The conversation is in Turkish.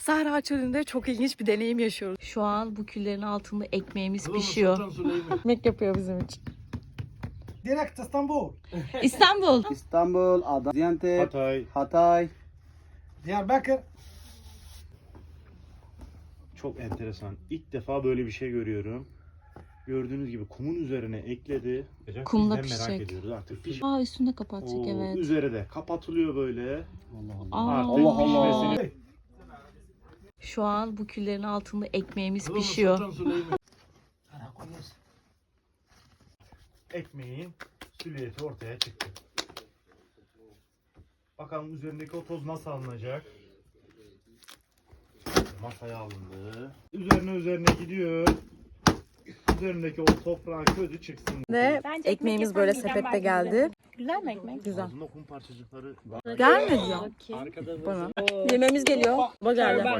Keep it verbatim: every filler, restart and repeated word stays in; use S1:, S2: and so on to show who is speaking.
S1: Sahra Çölü'nde çok ilginç bir deneyim yaşıyoruz. Şu an bu küllerin altında ekmeğimiz pişiyor. Ekmek yapıyor bizim için.
S2: Direkt İstanbul.
S1: İstanbul.
S3: İstanbul, Adana, Gaziantep,
S4: Hatay.
S3: Hatay.
S2: Diyarbakır.
S4: Çok enteresan. İlk defa böyle bir şey görüyorum. Gördüğünüz gibi kumun üzerine ekledi.
S1: Kumda
S4: Biz de merak
S1: pişecek.
S4: ediyoruz artık piş.
S1: Aa, üstünde kapatacak,
S4: Oo,
S1: evet.
S4: Üzeri de kapatılıyor böyle.
S3: Allah Allah.
S1: Aa.
S4: Artık
S3: Allah Allah.
S4: pişmesini-
S1: Şu an bu küllerin altında ekmeğimiz pişiyor.
S4: Ekmeğin süliyeti ortaya çıktı. Bakalım üzerindeki o toz nasıl alınacak? Masaya alındı. Üzerine üzerine gidiyor. Üzerindeki o toprağın közü çıksın.
S1: Ve
S5: Bence
S1: ekmeğimiz
S5: ekmek
S1: böyle
S5: yapan
S1: sepette
S5: midem belki
S1: geldi.
S5: Güzel mi ekmek?
S1: Güzel.
S4: Ağzında kum parçacıkları.
S1: Gelmedi ya bana. Yememiz geliyor. Baba geldi.